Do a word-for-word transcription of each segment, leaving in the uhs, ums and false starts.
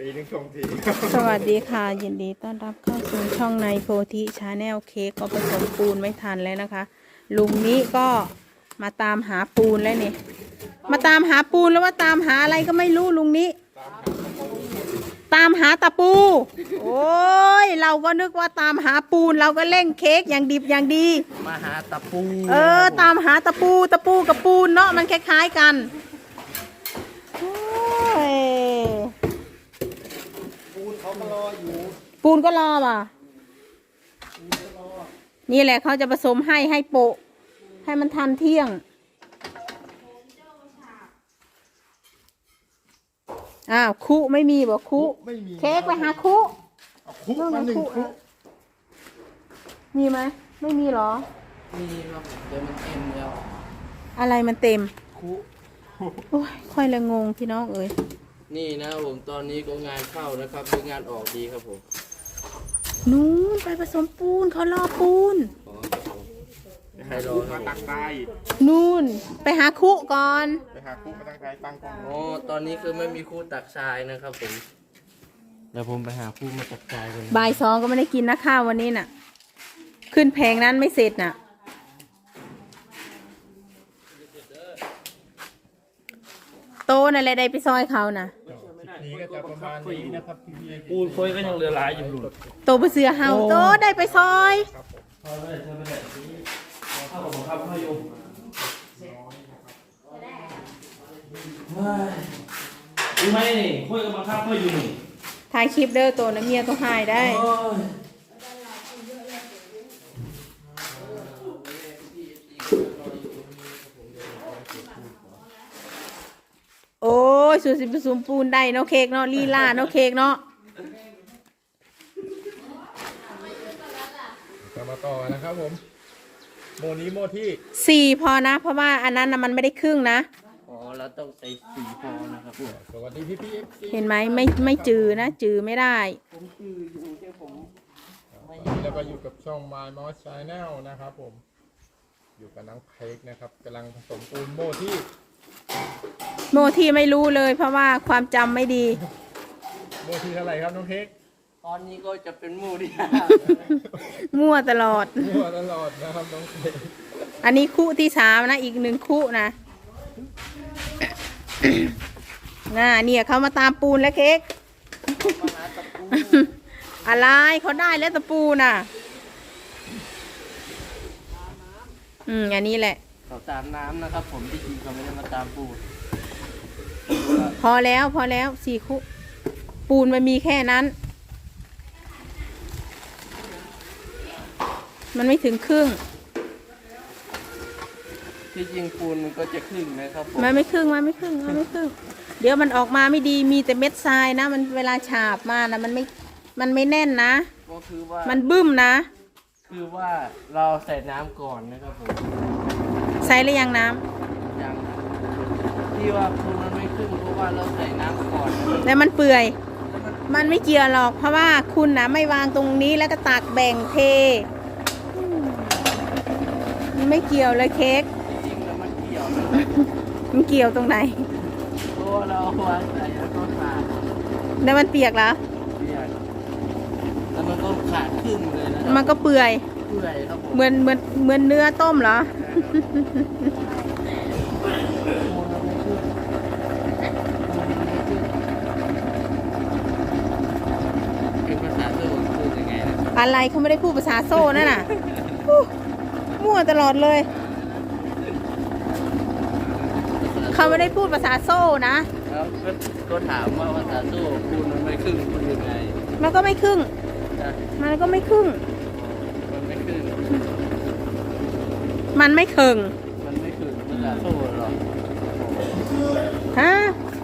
ปีนึงชงทีสวัสดีค่ะยินดีต้อนรับเข้าสู่ช่องในโพธิชาแนลเค้กก็ผสมปูนไม่ทันแล้วนะคะ ลุงนี้ก็มาตามหาปูนแล้วนี่มาตามหาปูนแล้วว่าตามหาอะไรก็ไม่รู้ลุงนี้ ตามหาตะปู โอ้ยเราก็นึกว่าตามหาปูนเราก็เร่งเค้กอย่างดิบอย่างดีมาหาตะปูเออตามหาตะปูตะปูกับปูนเนาะมันคล้ายๆกันโอ้ยปูนเขาก็รออยู่ปูนก็รอป่ะนี่แหละเขาจะผสมให้ให้โปะให้มันทันเที่ยงอ้าวคุไม่มีบอกคุไม่มีเค้กไปหาคุเอาคุมาหนึ่งคุมีไหมไม่มีหรอมีครับเดี๋ยวมันเต็มแล้วอะไรมันเต็มคุโอ้ยค่อยละงงพี่น้องเอ้ยนี่นะครับผมตอนนี้ก็งานเข้านะครับเป็นงานออกดีครับผมนู้นไปผสมปูนเขารอปูนขอใครรอคมารับผตั้งมใจนู่นไปหาคุก่อนไปหาคุมาตั้งใจตั้งกล้องอ๋อตอนนี้คือไม่มีคู่ตักทรายนะครับผมเดี๋ยวผมไปหาคู่มาตักทรายกันบ่ายสองก็ไม่ได้กินนะข้าววันนี้น่ะ ขึ้นแผงนั้นไม่เสร็จน่ะ โตนั่นแหละได้ไปซอยเขาน่ะนี้ก็จะประมาณนี้นะครับพี่พี่ปูนโค้ยก็ยังเหลือหลายอยู่โตไปเสือเฮาโตได้ไปซอยเข้าเลยเข้าเลยเข้าผมครับเข้าอยู่รู้ไหมนี่คุยกับบังคับเข้าอยู่นี่ถ่ายคลิปเด้อโตนะเมียต้องหายได้โอ้ยโอ้ยสูสิผสมปูนได้เนาะเค้กเนาะลีลาเนาะเค้กเนาะจะมาต่อนะครับผมโมนี้โมที่สี่พอนะ เพราะว่าอันนั้นน่ะมันไม่ได้ครึ่งนะอ๋อแล้วต้องใส่สีฟองนะครับผมสวัสดีพี่พี่เอฟซีเห็นไหมไม่ไม่จือนะ จือไม่ได้ผมคืออยู่แค่ผมแล้วก็อยู่กับช่อง My m o s Channel นะครับผม อยู่กับน้องเค้กนะครับกำลังผสมปูนโมที่โมที่ไม่รู้เลย เพราะว่าความจำไม่ดีโมที่เท่าไหร่ครับน้องเค้กตอนนี้ก็จะเป็นหมูที่มั่วตลอดมั่วตลอดนะครับน้องเค้กอันนี้คู่ที่สามนะ อีกหนึ่งคู่นะ น่าเนี่ยเขามาตามปูนแล้วเค้กมาหาตะปูอะไรเขาได้แล้วตะปูน่ะ อืมอันนี้แหละเขาตามน้ำนะครับผมที่จริงเขาไม่ได้มาตามปูพอแล้วพอแล้วสี่คู่ปูนมันมีแค่นั้น มันไม่ถึงครึ่งที่จริงปูนมันก็จะครึ่งนะครับผมมันไม่ครึ่งมันไม่ครึ่งมันไม่ครึ่ง เดี๋ยวมันออกมาไม่ดีมีแต่เม็ดทรายนะ มันเวลาฉาบมานะมันไม่มันไม่แน่นนะก็คือว่ามันบึ้มนะคือว่าเราใส่น้ำก่อนนะครับผมใส่หรือยังน้ำอย่างที่ว่าปูนมันไม่ครึ่งเพราะว่าเราใส่น้ำก่อนนะครับแล้วมันเปื่อยแล้วมันมันไม่เกี่ยวหรอก เพราะว่าคุณนะไม่วางตรงนี้แล้วก็ตักแบ่งเทอืมมันไม่เกี่ยวเลยเค้กจริงๆแล้วมันเกี่ยวนะครับมันเกี่ยวตรงไหนเพราะว่าเราเอาวางใส่แล้วก็ขาดแล้วมันเปียกแล้วเปียกแล้วมันก็ขาดครึ่งเลยนะครัมันก็เปื่อยเปื่อยครับผมเหมือนเหมือนเหมือนเนื้อต้มเหรอปูนมันไม่ครึ่งปูนมันไม่ครึ่งเป็นภาษาโซ่คือยังไงนะอะไรเขาไม่ได้พูดภาษาโซ่นั่นน่ะอู้มั่วตลอดเลย เขาไม่ได้พูดภาษาโซ่นะแล้วก็ก็ถามว่าภาษาโซ่ปูนมันไม่ครึ่งพูดยังไงมันก็ไม่ครึ่งนะมันก็ไม่ครึ่งมันไม่ครึ่งมันไม่เคิงมันไม่ครึ่งภาษาโซ่หรอกฮะ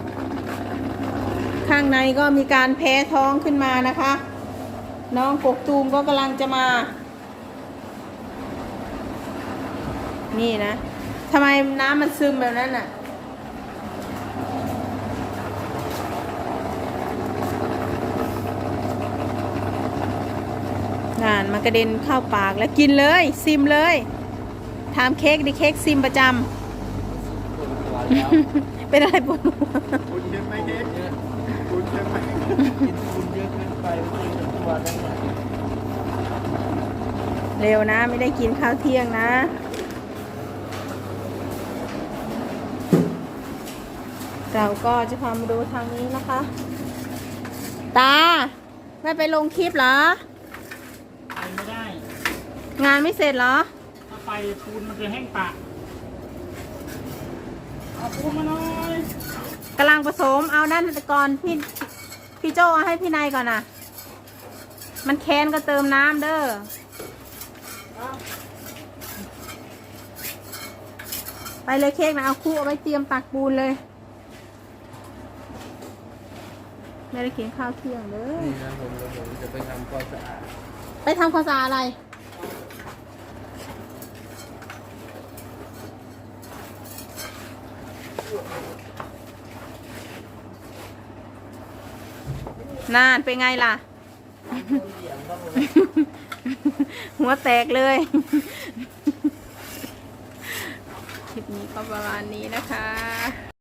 ข้างในก็มีการแพ้ท้องขึ้นมานะคะ น้องกกตูมก็กำลังจะมา นี่นะทำไมน้ำมันซึมแบบนั้นน่ะ น่านมันกระเด็นเข้าปากแล้วกินเลยซิมเลยถามเค้กดิเค้กซิมประจปวดหัวแล้วำ เป็นอะไรปวดหัวคุณเชื่อไหมเค้กคุณเชื่อไหมว่าได้ไหมเร็วนะไม่ได้กินข้าวเที่ยงนะ เราก็จะพามาดูทางนี้นะคะ ตาไม่ไปลงคลิปเหรอไปไม่ได้งานไม่เสร็จเหรอถ้าไปปูนมันจะแห้งปะเอาปูนมาหน่อยกำลังผสมเอาด้านก่อนพี่พี่โจเอาให้พี่นายก่อนนะมันแค้นก็เติมน้ำเด้อไปเลยเค้กนะเอาคู่เอาไว้เตรียมตักปูนเลยไม่ได้กินข้าวเที่ยงเด้อนี่นะผมเดี๋ยวผมจะไปทำความสะอาดไปทำความสะอาดอะไรนานเป็นไงล่ะ หัวแตกเลย คลิปนี้ก็ประมาณนี้นะคะ